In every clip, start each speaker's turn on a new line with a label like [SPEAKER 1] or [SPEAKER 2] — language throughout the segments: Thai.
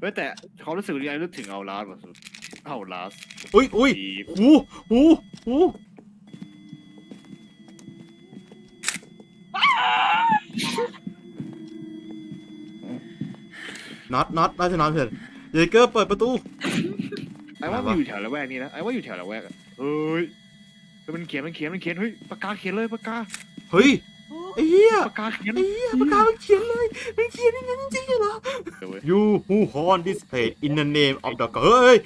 [SPEAKER 1] ฮ้ยแต่เขารู้สึกยังนึกถึงเอาลาสว่ะสุดเอาลาส
[SPEAKER 2] อุ้ยหูน็อตน่าจะน็อตเถอะเยเกอร์เปิดประตู
[SPEAKER 1] ไอ้ว่ามันอยู่แถวละแวกนี้นะไอ้ว่าอยู่แถวละแวกอะเฮ้ยมันเขียนเฮ้ยปากกาเขียนเลยปากกา
[SPEAKER 2] เฮ้ยไอ้เหี้ย
[SPEAKER 1] ปากกาเขียน
[SPEAKER 2] ปากกามันเขียนเลยมันเขียนอย่างนั้นจริงเหรอ You who hold this page in the name of the god เฮ้ย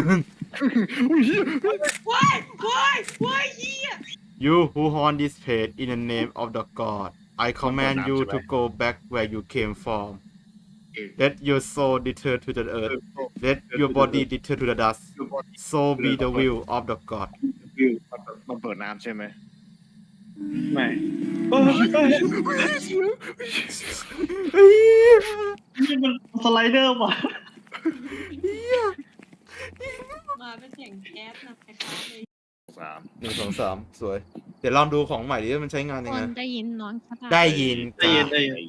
[SPEAKER 2] You who hold this page in the name of the god I command you to go back where you came from Let your soul return to the earth Let your body return to the dust So be the will of the god
[SPEAKER 1] มันเปิดน้ำใช่ไหม
[SPEAKER 3] ไม่นี่มันสไลเดอร์ว่ะ
[SPEAKER 4] มาเป็นเสียงแก๊สนะคล้ายๆเลย
[SPEAKER 1] 3
[SPEAKER 2] 1 2 3 สวย เดี๋ยวลองดูของใหม่ดิว่ามันใช้งานยัง
[SPEAKER 4] ค
[SPEAKER 2] ไง
[SPEAKER 4] นได้ยินน้องคาถา
[SPEAKER 2] ได้ยิน
[SPEAKER 3] ได้ยิน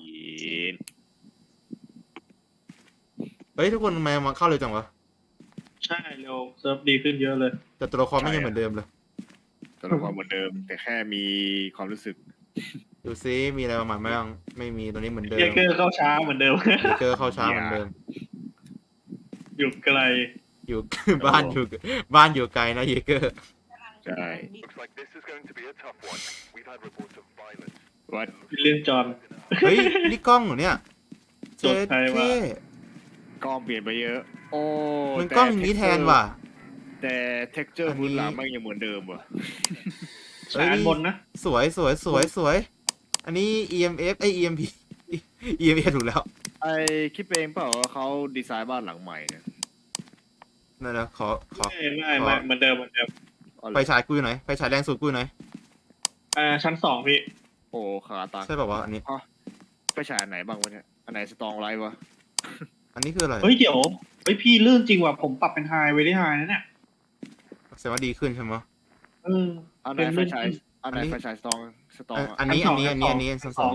[SPEAKER 2] เฮ้ยทุกคนทำไมมาเข้าเร็วจังวะ
[SPEAKER 3] ใช่เร็วเซิร์ฟดีขึ้นเยอะเลย
[SPEAKER 2] แต่ตัวละครไม่ยังเหมือนเดิมเลย
[SPEAKER 1] ตัวละครเหมือนเดิม แต่แค่มีความรู้สึก
[SPEAKER 2] ดูซิมีอะไรมาใหม่ไหมยังไม่มีตัวนี้เหมือนเดิม
[SPEAKER 3] เยเกอร์เข้าช้าเหมือนเดิม
[SPEAKER 2] เจอเข้าช้าเหมือนเดิม
[SPEAKER 3] อยู่ไกล
[SPEAKER 2] อยู่ บ้านอยู่ไกลนะเยเกอร์
[SPEAKER 1] ใช่
[SPEAKER 5] Looks like this is going to be a tough one. We've had reports of violence.
[SPEAKER 1] วัด
[SPEAKER 3] วิลเลียมจอห์น
[SPEAKER 2] เฮ้ยนี่กล้องเหรอเนี่ย
[SPEAKER 3] สดใครวะ
[SPEAKER 1] กล้องเปลี่ยนไปเยอะ โอ้
[SPEAKER 2] มันกล้องอย่างนี้แทนว่ะ
[SPEAKER 1] แต่เท็กเจอร์
[SPEAKER 2] อันนี้
[SPEAKER 1] พื้นหลังมันยังเหมือนเดิมว่ะ
[SPEAKER 3] สายอันบนนะ
[SPEAKER 2] สวยอันนี้ EMF EMP EMF ถูกแล้ว
[SPEAKER 1] ไอคิดเองเปล่าว่าเขาดีไซน์บ้านหลังใหม่เนี่ย
[SPEAKER 2] นั่นนะขอ
[SPEAKER 3] ไม่เหมือนเดิม
[SPEAKER 2] ไฟฉายกูอยู่ไหนไฟฉายแรงสุดกูอยู่ไหน
[SPEAKER 3] ชั้น2พี่
[SPEAKER 1] โอ้ขาตา
[SPEAKER 2] ใช่ป่าววะอันนี้
[SPEAKER 1] ไปฉายอันไหนบ้างวะเนี่ยอันไหนสตองไลท์วะ
[SPEAKER 2] อันนี้คืออะไร
[SPEAKER 3] เฮ้ยเดี๋ยวเฮ้ยพี่ลื่นจริงว่ะผมปรับเป็นไฮไว้ได้ไฮนะเนี่ย
[SPEAKER 2] แสดงว่าดีขึ้นใช่ไหม
[SPEAKER 1] อันไหนไฟฉายอันไหนไฟฉายสตองอะ
[SPEAKER 2] อันนี้ชั้นสอง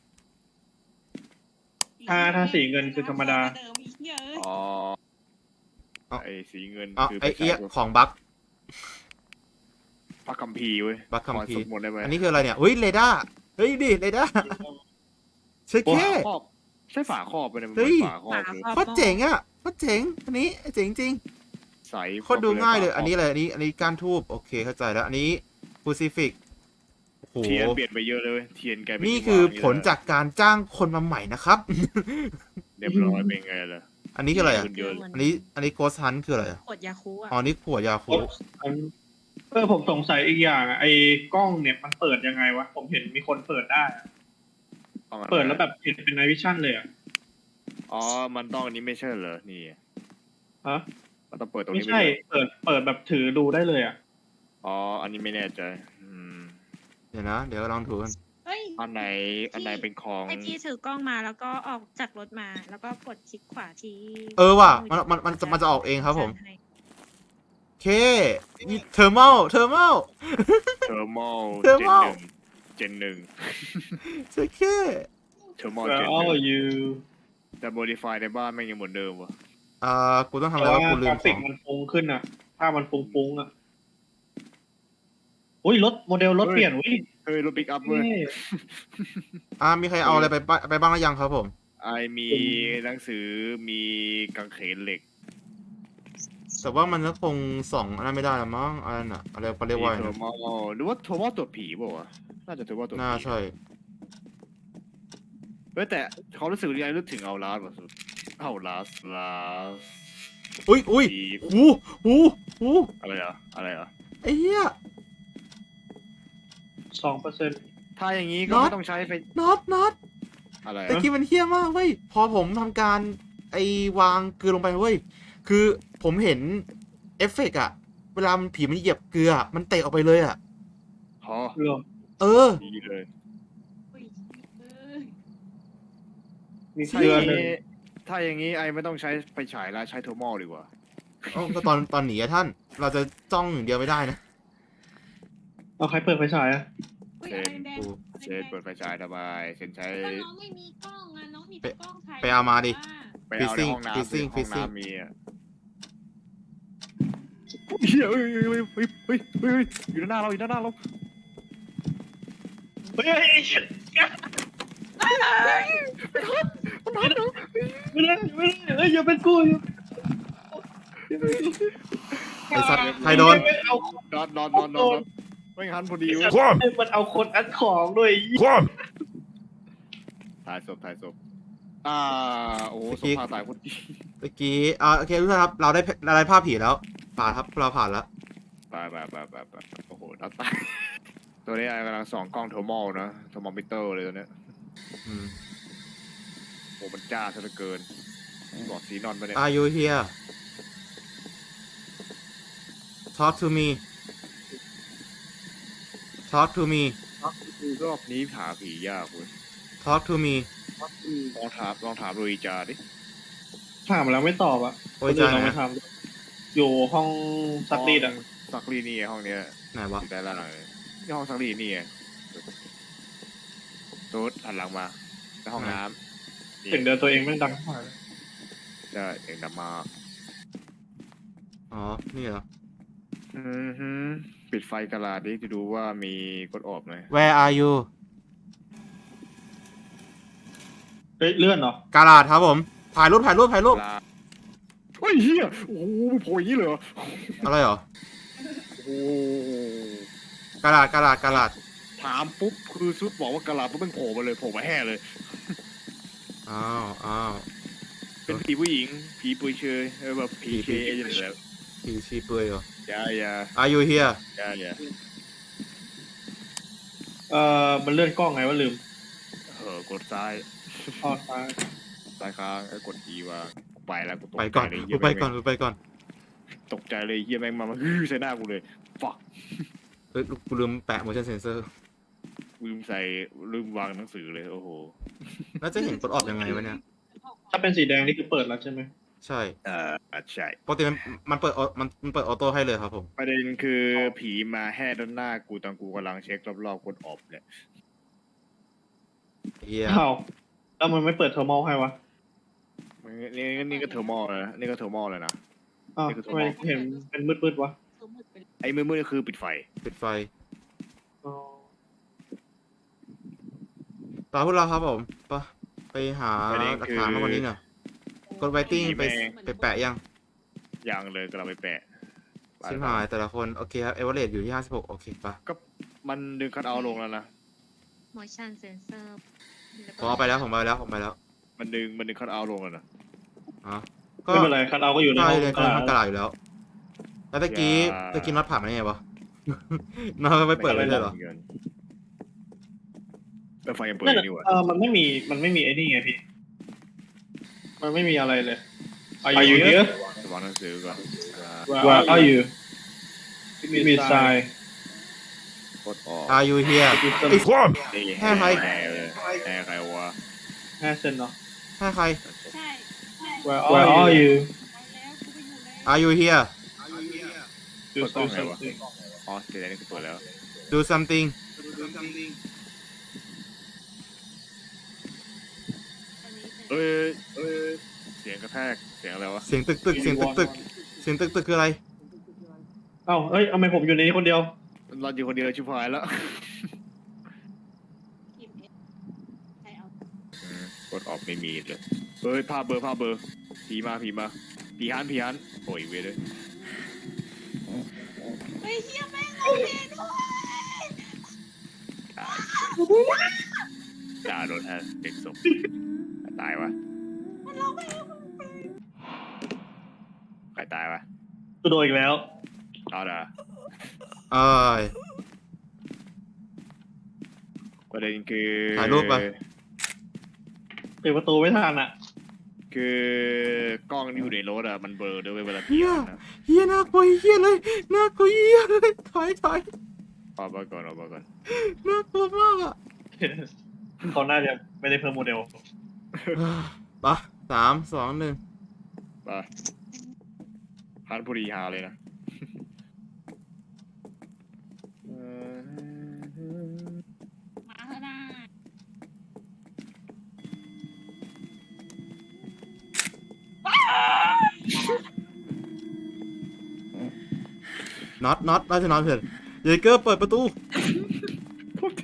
[SPEAKER 3] ถ้าสีเงินคือธรรมดา
[SPEAKER 4] เดิมอีกเยอะ
[SPEAKER 1] อ๋อไอสีเงิน
[SPEAKER 2] อ๋อ
[SPEAKER 1] คือ
[SPEAKER 2] ไอ้
[SPEAKER 1] ไป
[SPEAKER 2] เอี้ย
[SPEAKER 1] ฉาย
[SPEAKER 2] ของบั๊ก
[SPEAKER 1] พระคัมภีร์เว้ย
[SPEAKER 2] บั๊กคัมภี
[SPEAKER 1] ขอ
[SPEAKER 2] ร์
[SPEAKER 1] สวดมนต์ได้ไหม
[SPEAKER 2] อันนี้คืออะไรเนี่ยเฮ้ยเรดาร์เฮ้ยดิเรดาร์เช็คแค่
[SPEAKER 1] ฝาครอบใช่ฝาครอบไปเนี่ยมัน
[SPEAKER 2] เฮ้
[SPEAKER 1] เป็น
[SPEAKER 2] ย
[SPEAKER 1] ฝาครอบเลย
[SPEAKER 2] โคตรเจ๋งอ่ะโคตรเจ๋งอันนี้เจ๋งจริง
[SPEAKER 1] ใส
[SPEAKER 2] โคตรดูง่ายเลยอันนี้อะไรอันนี้ก้านทูบโอเคเข้าใจแล้วอันนี้ฟูซิฟิกโอ้โห
[SPEAKER 1] เทียนเปลี่ยนไปเยอะเลยเว้ยเทียนกลายเป็น
[SPEAKER 2] นี่คือ
[SPEAKER 1] ที่วาง
[SPEAKER 2] ผลจากการจ้างคนมาใหม่นะครับ
[SPEAKER 1] เรียบร้อยเป็นไงล่ะ
[SPEAKER 2] อันนี้คืออะไรอ่ะ
[SPEAKER 1] ขึ้นเยอะเลย
[SPEAKER 2] อันนี้โกสฮันคืออะไรอ่ะ
[SPEAKER 4] ขวดยาคูอ่ะ
[SPEAKER 2] อ๋อนี่ขวดยาคู
[SPEAKER 3] ผมสงสัยอีกอย่างไอ้กล้องเนี่ยมันเปิดยังไงวะผมเห็นมีคนเปิดได้อะ
[SPEAKER 1] ต้องอะไร
[SPEAKER 3] เปิดแล้วแบบเห็นเป็นไนวิชั่นเลยอ่ะ
[SPEAKER 1] อ๋อมันต้องอันนี้ไม่ใช่เหรอนี่
[SPEAKER 3] ฮะ
[SPEAKER 1] มันต้องเปิดตรง
[SPEAKER 3] ไม่
[SPEAKER 1] นี้
[SPEAKER 3] ใช่
[SPEAKER 1] ไปเลย
[SPEAKER 3] เปิดแบบถือดูได้เลยอ่ะ
[SPEAKER 1] อ๋ออันนี้ไม่แน่ใจม
[SPEAKER 2] เดี๋ยวนะเดี๋ยวลองดูกัน
[SPEAKER 4] เฮ้ย
[SPEAKER 1] อันไหนเป็นของ
[SPEAKER 4] ไอพี่ถือกล้องมาแล้วก็ออกจากรถมาแล้วก็กดคลิกขวาที่
[SPEAKER 2] ว่ะมันจะออกเองครับผม
[SPEAKER 4] ให้
[SPEAKER 2] โอเคนี่เทอร์มอล
[SPEAKER 1] เทอร์มอล
[SPEAKER 2] Thermal
[SPEAKER 1] เจนหนึ่ง
[SPEAKER 2] เช็คแค่
[SPEAKER 1] เทอร์มอล
[SPEAKER 3] Where
[SPEAKER 1] เจนห
[SPEAKER 3] are
[SPEAKER 1] นึ่ง
[SPEAKER 3] you
[SPEAKER 1] แต่โมดิฟายในบ้านแม่งยังเหมือนเดิมวะ
[SPEAKER 2] กูต้องทำ
[SPEAKER 3] แต่
[SPEAKER 2] อะไร
[SPEAKER 3] ว่าว
[SPEAKER 2] ะกูลื
[SPEAKER 3] ก
[SPEAKER 2] ม
[SPEAKER 3] รา
[SPEAKER 2] ข
[SPEAKER 3] ฟิ
[SPEAKER 2] อก ง
[SPEAKER 3] มันฟุ้งขึ้นอ่ะภาพมันฟุ้งอ่ะอุ้ยรถโมเดลรถเปลี่ยนอุ้ย
[SPEAKER 1] เฮ้ยรถปิกอัพเว้ย
[SPEAKER 2] มีใครเอาอะไรไปบ้างหรือยังครับผม
[SPEAKER 1] ไอมีหนังสือมีกางเขนเหล็ก
[SPEAKER 2] แต่ว่ามันก็คงส่องอันนั้นไม่ได้ละมั้งอันนั้นอะอะไรเขาเรียกว่า
[SPEAKER 1] เทอร์มอลหรือว่าเทอร์มอลตัวผีเปล่าวะน่าจะเทอร์มอลตัวผี
[SPEAKER 2] น่าใช่
[SPEAKER 1] เฮ้ยแต่เขารู้สึกยังนึกถึงเอาลาสว่ะสุดเอาลาส
[SPEAKER 2] อุ้ย
[SPEAKER 1] ผี
[SPEAKER 2] หู
[SPEAKER 1] อะไรอ่ะ
[SPEAKER 2] ไอ้เหี้ย
[SPEAKER 3] 2%
[SPEAKER 1] ถ้าอย่างนี้ก็
[SPEAKER 2] น็อต
[SPEAKER 1] ไม่ต้องใช้ไฟ
[SPEAKER 2] น็อต
[SPEAKER 1] อะไร
[SPEAKER 2] แต่กี้มันเหี้ยมากเว้ยพอผมทำการวางเกลือลงไปเว้ยคือผมเห็นเอฟเฟกต์อะเวลามันผีมันเหยียบเกลือมันเตะออกไปเลยอะ
[SPEAKER 1] อ๋อ
[SPEAKER 3] เรื่อง
[SPEAKER 1] ดีเลย
[SPEAKER 4] อุ้ยเอ้ย
[SPEAKER 3] มี
[SPEAKER 1] ถ้า
[SPEAKER 3] เกลื
[SPEAKER 1] อ
[SPEAKER 3] อย่าง หนึ่ง
[SPEAKER 1] นี้ถ้าอย่างนี้ไอไม่ต้องใช้ไฟฉายแล้วใช้เทอร์มอลดีกว่า
[SPEAKER 2] ก็ตอนหนีอะท่าน เราจะจ้องอย่างเดียวไม่ได้นะ
[SPEAKER 3] เอาใครเปิดไฟฉายอ่ะ
[SPEAKER 4] อุ้ย
[SPEAKER 1] เซน
[SPEAKER 4] แดง
[SPEAKER 2] กู
[SPEAKER 1] เชนเปิดไฟฉายทำไมเซนใช้
[SPEAKER 4] ก็น้องไม่มีกล้องอ่ะน้องมีแต่กล้องถ่าย
[SPEAKER 2] ไปเอามาดิ
[SPEAKER 1] ไปเอาใน
[SPEAKER 2] Freezing
[SPEAKER 1] ห้องน้ำ
[SPEAKER 2] Freezing
[SPEAKER 1] ห้อง
[SPEAKER 2] Freezing
[SPEAKER 1] น้ำมีอ่ะเฮียเฮ้ยอยู่ด้านหน้าเราอยู่ด้านหน้าเรา
[SPEAKER 3] เฮ้ยไม่ได้เฮ้ยอย่าเป็นกูอย่า
[SPEAKER 2] ไอ้สัตว์ใครโดน
[SPEAKER 3] เอา
[SPEAKER 1] นอนไม่งั้นพอดีเว้ย
[SPEAKER 3] มันเอาคนอัดของด้วย
[SPEAKER 1] ถ่ายศพโอ้โหศพพาตายคนดี
[SPEAKER 2] เมื่อกี้โอเคทุกท่านครับเราได้ภาพผีแล้วผ่านครับเราผ่านแล้ว
[SPEAKER 1] ไปโอ้โหนัดตายตัวนี้กำลังส่องกล้องเทอร์โมนะเทอร์โมมิเตอร์เลยตัวเนี้ย
[SPEAKER 2] อืม
[SPEAKER 1] โอ้มันจ้าซะเหลือเกินบอกสีนอนไปเนี่ย
[SPEAKER 2] Are you here Talk to me Talk to me
[SPEAKER 1] รอบนี้หาผียากเว้ย
[SPEAKER 2] Talk to me
[SPEAKER 1] ลองถามโรยจาดิ
[SPEAKER 3] ถามแล้วไม่ตอบอ่ะ
[SPEAKER 2] โอ้ยจ้า
[SPEAKER 3] เรา
[SPEAKER 2] ไหน
[SPEAKER 3] ไม่ทำอยู่ห้องซักรีดอ่ะ
[SPEAKER 1] ซักรีดนี่ไงห้องเนี้ย
[SPEAKER 2] ไหนวะ
[SPEAKER 1] อยู่ด้านล่างเลยนี่ห้องซักรีดนี่ไงตูดหันหลังมาในห้องน้ำ
[SPEAKER 3] เสียงเดินตัวเองไม่ดังมาก
[SPEAKER 1] ใช่เสียงดังมาก
[SPEAKER 2] อ๋อนี่เหรอ
[SPEAKER 1] ปิดไฟกระดาษดิจะดูว่ามีกดออกไหม
[SPEAKER 2] Where are you
[SPEAKER 3] เฮ้ยเลื่อนเหรอ
[SPEAKER 2] กาลาดครับผมถ่ายรูป
[SPEAKER 1] เฮ้ยเฮียโอ้โหโผล่อย่างนี้เลยเหรอ
[SPEAKER 2] อะไรเหรอ
[SPEAKER 1] โอ้โห
[SPEAKER 2] กาลาด
[SPEAKER 1] ถามปุ๊บคือซุดบอกว่ากระดาษปุ๊บมันโผล่มาเลยโผล่มาแห่เลย
[SPEAKER 2] อ้าว
[SPEAKER 1] เป็นผีผู้หญิงผีปุยเชยแบบผีเคอย่างเงี้ย
[SPEAKER 2] ผีชีเปลือยเหรอ
[SPEAKER 1] อย่า
[SPEAKER 2] Are you here
[SPEAKER 3] มันเลื่อนกล้องไงว่าลืม
[SPEAKER 1] กดซ้าย
[SPEAKER 3] อ๋อซ้าย
[SPEAKER 1] ซ้ายค้างกด E ว่าไปแล้วกูตก
[SPEAKER 2] ไป
[SPEAKER 1] ใจ
[SPEAKER 2] ก่อน
[SPEAKER 1] เลย
[SPEAKER 2] กูไปก่อน
[SPEAKER 1] ตกใจเลยเฮียแม่งมาฮือใส่หน้ากูเลยฟัก
[SPEAKER 2] เฮ้ยกูลืมแปะ motion sensor
[SPEAKER 1] ลืมวางหนังสือเลยโอ้โห
[SPEAKER 2] แล้วจะเห็นกดออกยังไงวะเนี่ย
[SPEAKER 3] ถ้าเป็นสีแดงนี่คือเปิดแล้วใช่ไหม
[SPEAKER 2] ใช่
[SPEAKER 1] ใช่
[SPEAKER 2] ปกติมันเปิดมันเปิดออโต้ให้เลยครับผม
[SPEAKER 1] ประเด็นคือผีมาแห่ด้านหน้ากูตอนกูกำลังเช็ครอบๆกดออบเนี่ย
[SPEAKER 2] เฮีย
[SPEAKER 3] อ้าวแล้วมันไม่เปิดเทอร์โมให้วะ
[SPEAKER 1] นี่ก็เทอร์โมเลยนะนี่ก็เทอร์โมเลยนะ
[SPEAKER 3] อ้าว
[SPEAKER 1] นี่คือ
[SPEAKER 3] ทำไมเห็นเป็นมืดๆวะ
[SPEAKER 1] ไอ้มืดๆคือปิดไฟ
[SPEAKER 2] ปิดไฟ
[SPEAKER 3] อ๋อ
[SPEAKER 2] ตามพวกเราครับผมไปหา
[SPEAKER 1] ประเด็น
[SPEAKER 2] หลัก
[SPEAKER 1] คือ
[SPEAKER 2] ฐานมากกว่านี้หน่อยกดไวติ้งไปแปะยัง
[SPEAKER 1] ยังเลยก็เราไปแปะ
[SPEAKER 2] ชิมหายแต่ละคนโอเคครับเอเวอเรสอยู่ที่56โอเคปะ
[SPEAKER 1] ก็มันดึงคัทเอาท์ลงแล้วนะ
[SPEAKER 4] motion sensor
[SPEAKER 2] ผมเอาไปแล้วผมไปแล้ว
[SPEAKER 1] มันดึงคัทเอาท์ลงแล้วนะ
[SPEAKER 2] อ๋อก็
[SPEAKER 3] ไม่เป็นไรคัทเอาก็อยู่ใน
[SPEAKER 2] ใช่
[SPEAKER 3] ห้อง
[SPEAKER 2] เลย
[SPEAKER 3] ก
[SPEAKER 2] ก็
[SPEAKER 3] ระ
[SPEAKER 2] ทำก
[SPEAKER 3] ดา
[SPEAKER 2] ระ
[SPEAKER 3] ษ
[SPEAKER 2] ดาษอยู่แล้วแล้วตะกี้น็อตผ่านมาได้ไงวะ น็อตไม่เปิดเลยเหรอ
[SPEAKER 1] แต่ไฟยังเปิด
[SPEAKER 3] นั่น
[SPEAKER 1] อยู่
[SPEAKER 3] น่ะ
[SPEAKER 1] นี่หว่า
[SPEAKER 3] มันไม่มีไอ้นี่ไงพี่ มันไม่มีอะไรเลย Are you here
[SPEAKER 1] วางหนังสือก่อน
[SPEAKER 3] Where are you มีทราย
[SPEAKER 1] กดออก
[SPEAKER 2] Are you here
[SPEAKER 1] นี่
[SPEAKER 2] แห่ใคร
[SPEAKER 1] แห่ใครวะ
[SPEAKER 3] 5 เซนเนาะ
[SPEAKER 2] ให้ใคร
[SPEAKER 4] ใช่
[SPEAKER 3] Where are you
[SPEAKER 4] ไปแล้วกูไปอยู่ใน
[SPEAKER 2] Are you here
[SPEAKER 3] Do
[SPEAKER 1] เปิดกล้องไงวะ
[SPEAKER 3] something
[SPEAKER 1] อ๋อเดี๋ยวนี้คือเปิดแล้ว
[SPEAKER 2] Do something
[SPEAKER 4] ตอนนี้
[SPEAKER 1] เเสียงกระแทกเสียงอะไรวะ
[SPEAKER 2] เสียงตึกเสียงตึกคืออะไร
[SPEAKER 3] เอ้าเอ้ยทำไมผมอยู่ในนี้คนเดียว
[SPEAKER 1] เราอยู่คนเดียวชิบหายแล้ว
[SPEAKER 4] ใครเอา
[SPEAKER 1] กดออกไม่มีเลยภาพเบอร์ผีมาผีฮันโอ้ยเว้ยเลย
[SPEAKER 4] เฮ้ยเฮียแม่งเอาเพลงด้วย
[SPEAKER 1] ด่าโดนฮะเด็กศพตายวะ
[SPEAKER 4] มันร้องเพลง
[SPEAKER 1] ใครตายวะ
[SPEAKER 3] กูโดนอีกแล้ว
[SPEAKER 1] เอาด่า
[SPEAKER 2] เอ้ย
[SPEAKER 1] ประเด็นคือ
[SPEAKER 2] ถ่ายรูปปะ
[SPEAKER 3] ปิดประตูไม่ทันอ่ะ
[SPEAKER 1] คือกล้องที่อยู่ในรถอะมันเบลอด้วยเวลาผีนะ
[SPEAKER 2] เฮียน่ากลัวเฮียเลยน่ากลัวเฮียเลยถอย
[SPEAKER 1] เอาไปก่อน
[SPEAKER 2] น่ากลัวมากอ่ะ
[SPEAKER 3] เขาน่าจะไม่ได้เพิ่มโมเดล
[SPEAKER 2] ปะ3 2 1
[SPEAKER 1] ไปฮันบุรีฮาเลยนะ
[SPEAKER 4] มาเถอะนะ
[SPEAKER 2] น็อตน่าจะน็อตเพื่อนเยเกอร์เปิดประตู
[SPEAKER 1] โทษที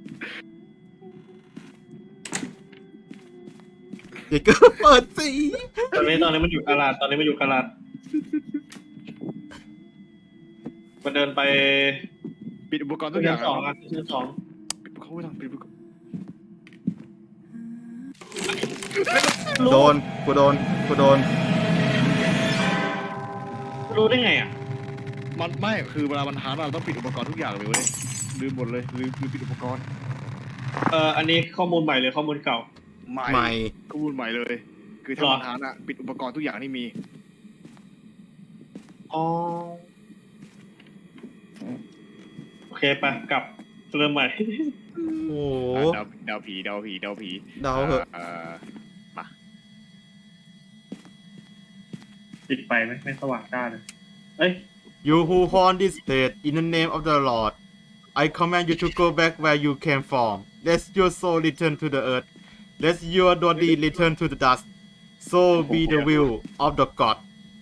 [SPEAKER 2] เยเกอร์เปิดสิ
[SPEAKER 3] ตอนนี้มันอยู่กาลาดมันเดินไป
[SPEAKER 1] ปิดอุปกรณ์ทุกอย่าง
[SPEAKER 3] ชั้นสองอ่ะชั้นสอง
[SPEAKER 1] ปิดเขาไว้ทำปิดอุปกรณ์
[SPEAKER 2] โดนกูโดน
[SPEAKER 3] รู้ได้ไงอ่ะ
[SPEAKER 1] มันไม่คือเวลามันหาเราต้องปิดอุปกรณ์ทุกอย่างเลยเว้ยลืมหมดเลยลืมปิดอุปกรณ์
[SPEAKER 3] อันนี้ข้อมูลใหม่เลยข้อมูลเก่า
[SPEAKER 1] ใหม่
[SPEAKER 2] ใหม่
[SPEAKER 1] ข้อมูลใหม่เลย คือถ้า
[SPEAKER 3] หรอ
[SPEAKER 1] มันหาอะปิดอุปกรณ์ทุกอย่างที่มี
[SPEAKER 3] อ๋อโอเคไปกลับเริ่มใหม่
[SPEAKER 2] โอ้
[SPEAKER 1] เดาผี
[SPEAKER 2] เดาเหอะ
[SPEAKER 1] มา
[SPEAKER 3] ปิดไฟไม่สว่างจ้าเลยเอ้ย
[SPEAKER 2] You who haunt this place in the name of the Lord I command you to go back where you came from let your soul return to the earth let your body return to the dust so be the will of the God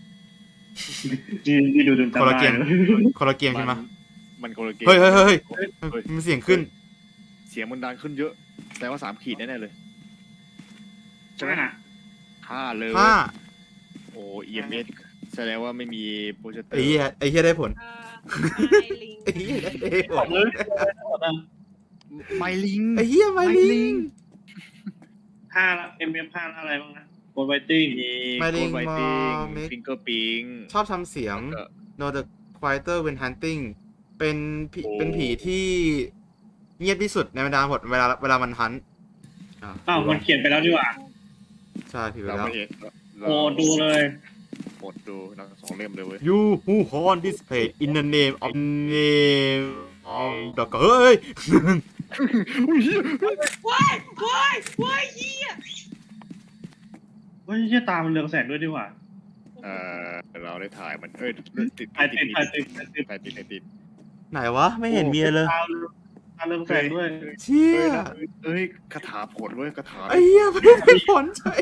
[SPEAKER 3] นี่ดูจำ
[SPEAKER 2] คนละเก
[SPEAKER 3] ได้
[SPEAKER 2] ม
[SPEAKER 3] เลย
[SPEAKER 2] คนละเกมใช่ไหม
[SPEAKER 1] มันคนละเกม
[SPEAKER 2] เฮ้ย
[SPEAKER 1] เฮ้ย
[SPEAKER 2] มันเสียงขึ้น
[SPEAKER 1] เสียงมันดังขึ้นเยอะ แต่ว่า3 ขีดแน่ๆเลย
[SPEAKER 3] ใช่ไหมน่ะ
[SPEAKER 1] 5เลย
[SPEAKER 2] ห้า
[SPEAKER 1] โอ้ EMS แสดงว่าไม่มีโปรเจคเตอ
[SPEAKER 2] ไอ้
[SPEAKER 1] ร์
[SPEAKER 2] เหี้ยได้ผล
[SPEAKER 4] ไอลิง
[SPEAKER 2] ไอ้เหี้ยได้ผ
[SPEAKER 3] บอ
[SPEAKER 2] ล
[SPEAKER 3] กเลย
[SPEAKER 1] ไมลิง
[SPEAKER 2] ไอ้เหี้ยไม่ลิง
[SPEAKER 3] 5ละ MF5 อะไรบ้างนะโกลไวติ้ง
[SPEAKER 1] มี
[SPEAKER 2] Myling
[SPEAKER 1] โกลไวติ้ง
[SPEAKER 2] Mimic
[SPEAKER 1] ฟิงเกอร์ปิง
[SPEAKER 2] ชอบทำเสียง No the quieter when hunting เป็นผีที่เงียบที่สุดในบรรดาหมดเวลามันฮันต์
[SPEAKER 3] อ้าวมันเขียนไปแล้วดีกว่า
[SPEAKER 2] ใช่ผิดไป
[SPEAKER 1] เรา
[SPEAKER 2] แล้ว
[SPEAKER 1] ไม่เห็น
[SPEAKER 3] โอ้ดูเลย
[SPEAKER 1] กดดูทั้ง2 เล่มเลยเว้ย
[SPEAKER 2] You who haunt this place in the name of the God เฮ้ย
[SPEAKER 4] ว้ายเฮีย
[SPEAKER 3] เฮ้ยเหี้ยตามันเรืองแสงด้วยดีกว่า
[SPEAKER 1] เราได้ถ่ายมันติด
[SPEAKER 3] ถ่ายติด
[SPEAKER 2] ไหนวะ ไม่เห็นมีเลย
[SPEAKER 3] ตาเรืองแสงด้วย
[SPEAKER 2] เชี่ย
[SPEAKER 1] คาถาผลเว้ยคาถา
[SPEAKER 2] ไอ้เหี้ยไม่ได้ผลใช่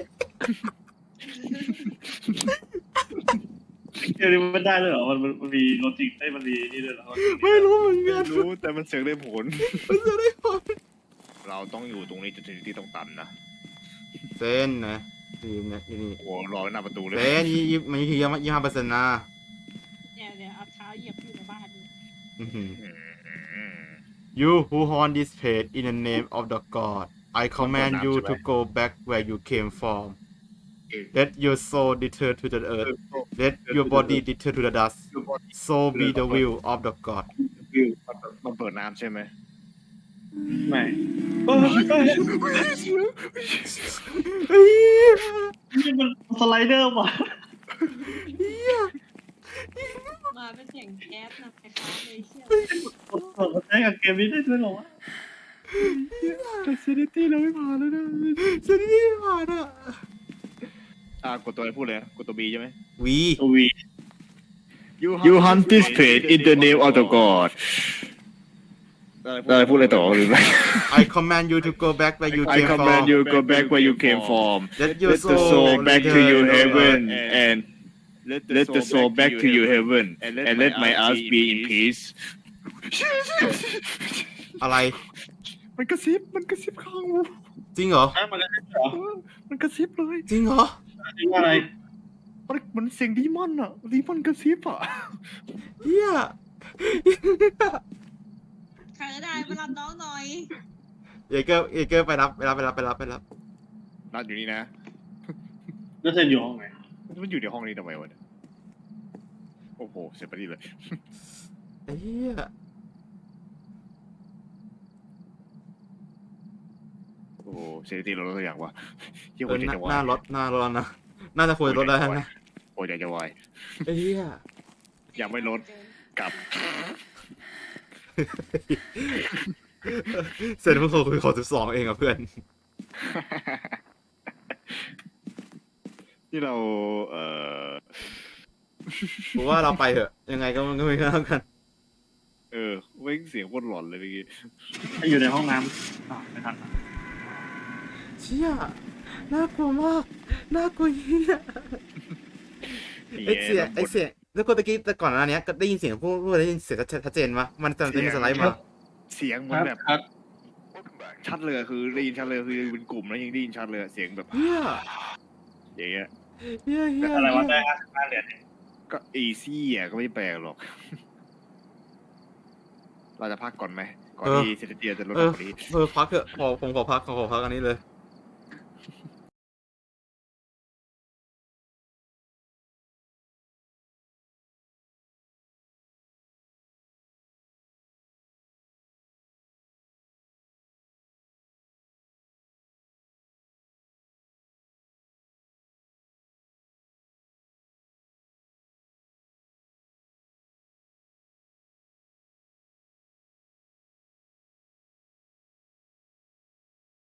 [SPEAKER 3] เดี๋ยวนี้มันได้เลยเหรอมันมีโลจิกได้มันมีนี่ด้วยเหรอ
[SPEAKER 2] ไม่รู้เหมือนกัน
[SPEAKER 1] รู้แต่มันเสียงได้ผล
[SPEAKER 2] มันจะได้ผล
[SPEAKER 1] เราต้องอยู่ตรงนี้จนถึงที่ต้องตันนะ
[SPEAKER 2] เต้นนะนี่นะนี่
[SPEAKER 1] โอ้รอหน้าประตูเลย
[SPEAKER 2] เต้นมัน25%นะ
[SPEAKER 4] เนี่ยเอาเท้าเหยียบอยู่ในบ้านนี่
[SPEAKER 2] อื้อหือ You who haunt this place in the name of the God I command you to go back where you came from let your soul return to the earth let your body return to the dust so be the will of the God
[SPEAKER 1] มันเปิดน้ำใช่ไหม
[SPEAKER 3] ไม่นี่มันสไลเดอร์ว่ะ
[SPEAKER 4] มาเป็นเสียงแก๊สนะคล้ายๆเลยเชี่ย
[SPEAKER 3] ใช้กับเกมนี้ได้ด้วยเหรอวะ
[SPEAKER 1] แต่เซนิตี้เราไม่ผ่านแล้วนะ
[SPEAKER 2] ฉันนี่ผ่านอ่ะ
[SPEAKER 1] กดตัวอะไรพูดเลยกดตัว B ใช่ไหม
[SPEAKER 2] วี
[SPEAKER 3] ตัววี
[SPEAKER 1] You hunt this place in the name of the God อะไรพูดอะไรต่อหรือไม่
[SPEAKER 2] I command you to go back where you
[SPEAKER 1] I
[SPEAKER 2] came
[SPEAKER 1] command
[SPEAKER 2] from
[SPEAKER 1] you go back where you came from
[SPEAKER 2] let your
[SPEAKER 1] let the soul back to your heaven and let the soul back to your heaven and let my ass be in peace
[SPEAKER 2] อะไร
[SPEAKER 1] มันกระซิบข้างหู
[SPEAKER 2] จริงเหรอ
[SPEAKER 3] มันอะไรเหรอ
[SPEAKER 1] มันกระซิบเลย
[SPEAKER 2] จริงเหรอ
[SPEAKER 3] ว่าอะไร
[SPEAKER 1] มันเสียงดีมอนอะดีมอนกระซิบอะ
[SPEAKER 2] เฮีย
[SPEAKER 4] ใครก็ได้มารับน้องหน่อย
[SPEAKER 2] เอเกอร์ไปรับ
[SPEAKER 1] นัดอยู่นี่นะ
[SPEAKER 3] แล้วเซนอยู่ห้องไหน
[SPEAKER 1] มันอยู่ในห้องนี้ทำไมวะเนี่ยโอ้โหเสียไปดีเลย
[SPEAKER 2] เฮีย
[SPEAKER 1] โอ้โหเสียทีเราตัวอย่างวะเยี่ย
[SPEAKER 2] เอ
[SPEAKER 1] หัว
[SPEAKER 2] อ
[SPEAKER 1] ใจ
[SPEAKER 2] หน้า
[SPEAKER 1] จะวา
[SPEAKER 2] หน้าย รถนะน่าจะควรรถได้นะ
[SPEAKER 1] หัวใจจะวาย
[SPEAKER 2] เฮีย
[SPEAKER 1] ยังไม่ลดกลับ
[SPEAKER 2] เสร็จเพิ่งโทรคุยขอ12เองอ่ะเพื่อน
[SPEAKER 1] ที่เรา
[SPEAKER 2] ผมว่าเราไปเถอะยังไงก็ไม่เข้ากัน
[SPEAKER 1] เว้งเสียงโคตรหลอนเลยเมื่อกี้
[SPEAKER 3] อยู่ในห้องน้ำไม่ทัน
[SPEAKER 2] เชี่ยน่ากลัวมากน่ากลัวเฮียไอเสียงแล้วก็ตะกี้แต่ก่อนหน้านี้ก็ได้ยินเสียงพูดได้ยินเสียงชัดเจนปะมันจะมีสไลด์มา
[SPEAKER 1] เสียงเหมื
[SPEAKER 3] ค
[SPEAKER 1] อน
[SPEAKER 3] รับ
[SPEAKER 1] แบบ
[SPEAKER 3] ครับ
[SPEAKER 5] Welcome back.
[SPEAKER 1] ชัดเลยคือได้ยินชัดเลยคือเป็นกลุ่มแล้วยังได้ยินชัดเลยเสียงแบบ
[SPEAKER 2] เฮีย
[SPEAKER 1] อย่างเงี้ย
[SPEAKER 2] เฮียเฮีย
[SPEAKER 3] อะไรวะได้55เหรียญ
[SPEAKER 1] ก็อีซี่อ่ะก็ไม่แปลกหรอก เราจะพักก่อนไหมก่อนที่เซนเตียจะลด
[SPEAKER 2] เอ
[SPEAKER 1] ล
[SPEAKER 2] อง
[SPEAKER 1] กว่านี้
[SPEAKER 2] พักเถอะผมขอพักอันนี้เลย